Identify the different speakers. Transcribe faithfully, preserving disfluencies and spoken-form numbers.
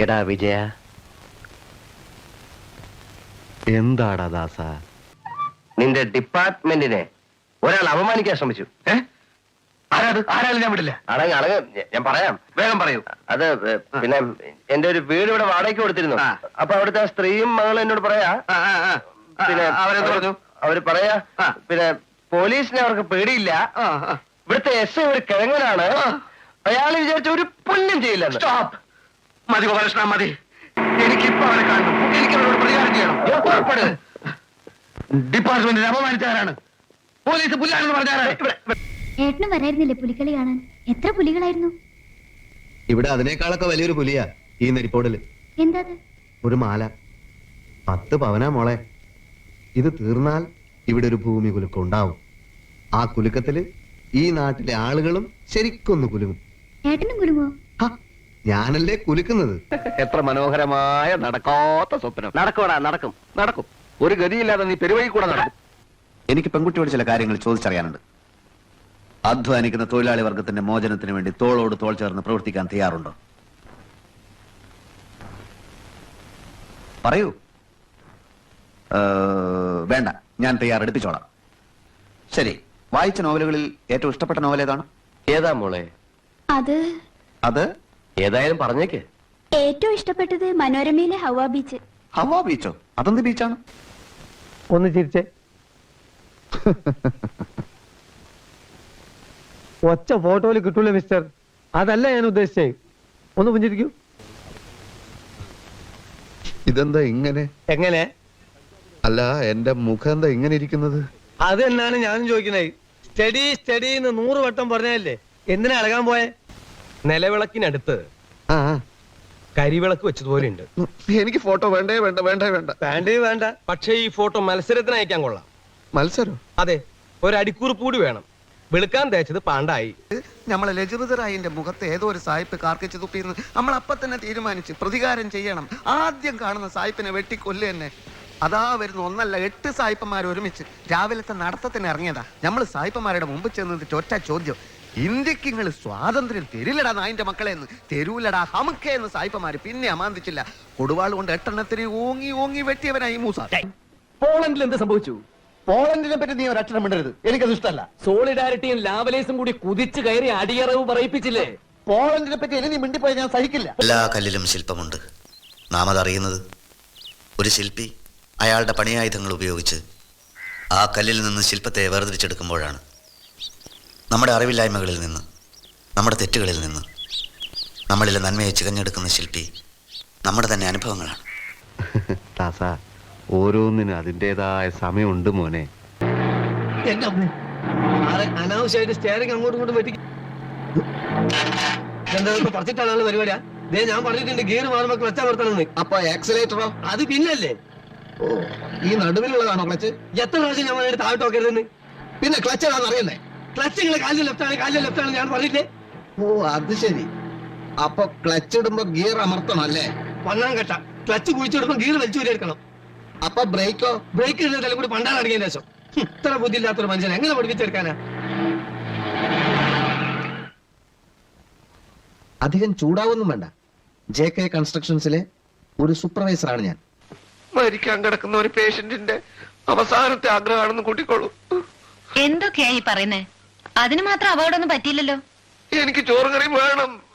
Speaker 1: എടാ വിജയ,
Speaker 2: എന്താടാ ദാസ?
Speaker 1: നിന്റെ ഡിപ്പാർട്ട്മെന്റിനെ ഒരാൾ അപമാനിക്കാൻ ശ്രമിച്ചു.
Speaker 3: ഏഹ് ആരാത്? ആരാലും ഞാൻ വിടില്ല.
Speaker 1: അടങ്ങ് അടങ്ങ്, ഞാൻ പറയാം,
Speaker 3: വേഗം പറയൂ.
Speaker 1: അത് പിന്നെ എന്റെ ഒരു വീട് ഇവിടെ വാടകയ്ക്ക് കൊടുത്തിരുന്നു. അപ്പൊ അവിടുത്തെ സ്ത്രീയും മകളും എന്നോട് പറയാ, പിന്നെ
Speaker 3: അവരെന്ത് പറഞ്ഞു?
Speaker 1: അവര് പറയാ, പിന്നെ പോലീസിനെ അവർക്ക് പേടിയില്ല, ഇവിടുത്തെ എസ് ഐ ഒരു കിഴങ്ങനാണ്, അയാൾ വിചാരിച്ച ഒരു പുല്യം ചെയ്യില്ല.
Speaker 3: സ്റ്റോപ്പ്. മതി ഗോപാലകൃഷ്ണ, മതി. എനിക്കിപ്പോ അവരെ കാണണം. എനിക്ക് അവരോട് പ്രതികാരം ചെയ്യണം. ഡിപ്പാർട്ട്മെന്റിനെ അപമാനിച്ചാരാണ്? പോലീസ് പുല്ലാണെന്ന് പറഞ്ഞാരാണ്?
Speaker 4: ഏട്ടനും വരായിരുന്നില്ലേ പുലിക്കളി കാണാൻ? എത്ര പുലികളായിരുന്നു
Speaker 2: ഇവിടെ? അതിനേക്കാളൊക്കെ വലിയൊരു പുലിയാ ഈ നെരിപ്പോടില്.
Speaker 4: എന്താ
Speaker 2: ഒരു മാല, പത്ത് പവനാ മോളെ. ഇത് തീർന്നാൽ ഇവിടെ ഒരു ഭൂമി കുലുക്കം ഉണ്ടാവും. ആ കുലുക്കത്തില് ഈ നാട്ടിലെ ആളുകളും ശരിക്കൊന്ന് കുലുങ്ങും.
Speaker 4: ഏട്ടനും കുലുങ്ങോ?
Speaker 2: ഞാനല്ലേ കുലുക്കുന്നത്.
Speaker 1: എത്ര മനോഹരമായ നടക്കാത്ത സ്വപ്നം. നടക്കൂടാ, നടക്കും നടക്കും. ഒരു ഗതിയില്ലാതെ നീ പെരുവഴി കൂടെ നടക്കും.
Speaker 5: എനിക്ക് പെൺകുട്ടിയോട് ചില കാര്യങ്ങൾ ചോദിച്ചറിയാനുണ്ട്. അധ്വാനിക്കുന്ന തൊഴിലാളി വർഗത്തിന്റെ മോചനത്തിന് വേണ്ടി തോളോട് തോൾ ചേർന്ന് പ്രവർത്തിക്കാൻ തയ്യാറുണ്ടോ? പറയൂ. വേണ്ട, ഞാൻ തയ്യാറെടുപ്പിച്ചോളാം. ശരി, വായിച്ച നോവലുകളിൽ ഏറ്റവും ഇഷ്ടപ്പെട്ട നോവൽ ഏതാണ്?
Speaker 1: ഏതാ മോളെ?
Speaker 4: അത്
Speaker 5: അത്
Speaker 1: ഏതായാലും പറഞ്ഞേക്ക്.
Speaker 4: ഏറ്റവും ഇഷ്ടപ്പെട്ടത് മനോരമയിലെ ഹവ ബീച്ച്.
Speaker 5: ഹവാ ബീച്ചോ? അതെന്ത് ബീച്ചാണ്?
Speaker 6: ഒന്ന് ചിരിച്ചേ. ഒച്ച ഫോട്ടോയിൽ കിട്ടൂല മിസ്റ്റർ, അതല്ല ഞാൻ ഉദ്ദേശിച്ചേ. ഒന്ന് പുഞ്ചിരിക്കൂ.
Speaker 2: ഇതെന്താ ഇങ്ങനെ?
Speaker 6: എങ്ങനെ?
Speaker 2: അല്ല, എന്റെ മുഖം എന്താ ഇങ്ങനെ ഇരിക്കുന്നത്?
Speaker 6: അത് തന്നെയാണ് ഞാനും ചോദിക്കുന്നത്. സ്റ്റഡി സ്റ്റഡി എന്ന് നൂറ് വട്ടം പറഞ്ഞല്ലേ, എന്തിനാ ഇളകാൻ പോയെ? നിലവിളക്കിനടുത്ത്
Speaker 2: ആ
Speaker 6: കരിവിളക്ക് വെച്ചതുപോലെ ഉണ്ട്.
Speaker 2: എനിക്ക് ഫോട്ടോ വേണ്ടേ വേണ്ട വേണ്ടേ വേണ്ട
Speaker 6: വേണ്ടേ വേണ്ട. പക്ഷേ ഈ ഫോട്ടോ മത്സരത്തിന് അയക്കാൻ കൊള്ളാം.
Speaker 2: മത്സരം?
Speaker 6: അതെ, ഒരു അടിക്കുറിപ്പ് കൂടി വേണം. വെളുക്കാൻ തേച്ചത് പാണ്ടായി.
Speaker 7: നമ്മളെ ലജുറുദറായിന്റെ മുഖത്ത് ഏതോ ഒരു സായിപ്പ് കാർക്കിച്ച് തുപ്പിന്ന് നമ്മൾ അപ്പൊ തന്നെ തീരുമാനിച്ച് പ്രതികാരം ചെയ്യണം. ആദ്യം കാണുന്ന സായിപ്പിനെ വെട്ടിക്കൊല്ലു തന്നെ. അതാ വരുന്ന ഒന്നല്ല എട്ട് സായിപ്പന്മാർ ഒരുമിച്ച് രാവിലത്തെ നടത്തത്തിന് ഇറങ്ങിയതാ. നമ്മൾ സായിപ്പന്മാരുടെ മുമ്പ് ചെന്നിട്ട് ഒറ്റ ചോദ്യം, ഇന്ത്യക്ക് നിങ്ങൾ സ്വാതന്ത്ര്യം തരില്ലടാ നായിന്റെ മക്കളെ എന്ന്. തെരുവിലടാ ഹമുക്കെ എന്ന് സായിപ്പന്മാര് പിന്നെ അമാന്തിച്ചില്ല. കൊടുവാൾ കൊണ്ട് എട്ടെണ്ണത്തിന് ഓങ്ങി ഓങ്ങി വെട്ടിയവനായി മൂസ.
Speaker 1: പോളണ്ടിൽ എന്ത് സംഭവിച്ചു? പോളണ്ടിനെ പറ്റി നീ ഒരു അക്ഷരം മിണ്ടരുത്, എനിക്കത് ഇഷ്ടമല്ല.
Speaker 8: സോളിഡാരിറ്റിയും ലാവലേസും കൂടി കുതിച്ചു കയറി അടിയറവ് പറയിപ്പിച്ചില്ലേ?
Speaker 1: പോളണ്ടിനെ പറ്റി ഇനി നീ മിണ്ടിപ്പോയി ഞാൻ സഹിക്കില്ല.
Speaker 5: എല്ലാ കല്ലിലും ശില്പമുണ്ട്. നാം അതറിയുന്നത് ഒരു ശില്പി അയാളുടെ പണിയായുധങ്ങൾ ഉപയോഗിച്ച് ആ കല്ലിൽ നിന്ന് ശില്പത്തെ വേർതിരിച്ചെടുക്കുമ്പോഴാണ്. നമ്മുടെ അറിവില്ലായ്മകളിൽ നിന്ന്, നമ്മുടെ തെറ്റുകളിൽ നിന്ന് നമ്മളിലെ നന്മയെ ചികഞ്ഞെടുക്കുന്ന ശില്പി നമ്മുടെ തന്നെ അനുഭവങ്ങളാണ്.
Speaker 2: ദാസ, ഓരോന്നിനും അതിൻ്റെതായ സമയമുണ്ട് മോനെ.
Speaker 6: അനാവശ്യമായിട്ട് സ്റ്റെയറിംഗ് അങ്ങോട്ടും ഇങ്ങോട്ടും വെട്ടി പറിച്ചിട്ടാണ് പരിപാടിയാ. ദേ ഞാൻ പറഞ്ഞിട്ടുണ്ട് ഗിയർ മാറുമ്പോ ക്ലച്ച് അമർത്തണമെന്ന്.
Speaker 7: അപ്പൊ ആക്സിലേറ്ററോ?
Speaker 6: അത് പിന്നല്ലേ.
Speaker 7: ഓ, ഈ നടുവിലുള്ളതാണോ ക്ലച്ച്?
Speaker 6: എത്ര പ്രാവശ്യം ഞാൻ വേണ്ടി താഴോട്ട് നോക്കരുതെന്ന്.
Speaker 7: പിന്നെ ക്ലച്ച് ഏതാണെന്ന് അറിയണ്ടേ?
Speaker 6: ക്ലച്ച് നിങ്ങളെ കാലിൽ ലെഫ്റ്റ് ആണ്, കാലിൽ ലെഫ്റ്റ് ആണ് ഞാൻ പറഞ്ഞില്ലേ.
Speaker 7: ഓ, അത് ശരി. അപ്പൊ ക്ലച്ച് ഇടുമ്പോ ഗിയർ അമർത്തണം അല്ലേ?
Speaker 6: പന്നാം കെട്ട ക്ലച്ച് കുഴിച്ചിടുമ്പോ ഗിയർ വലിച്ചു എടുക്കണം.
Speaker 7: അപ്പൊ ബ്രേക്കോ?
Speaker 6: ബ്രേക്ക് ഇടുന്നതിലും കൂടി പണ്ടാണ് അടങ്ങിയതിന് ശേഷം. ഇത്ര ബുദ്ധിയില്ലാത്തൊരു മനുഷ്യനെ എങ്ങനെ പഠിപ്പിച്ചെടുക്കാനാ?
Speaker 7: അധികം ചൂടാവൊന്നും വേണ്ട. ജെ കെ കൺസ്ട്രക്ഷൻസിലെ ഒരു സൂപ്പർവൈസറാണ് ഞാൻ.
Speaker 3: മരിക്കാൻ കിടക്കുന്ന ഒരു പേഷ്യന്റിന്റെ അവസാനത്തെ ആഗ്രഹമാണെന്ന് കൂട്ടിക്കോളൂ.
Speaker 9: എന്തൊക്കെയാ ഈ പറയുന്നേ? അതിന് മാത്രം അപകടമൊന്നും പറ്റിയില്ലല്ലോ.
Speaker 3: എനിക്ക് ചോറ് കറി വേണം.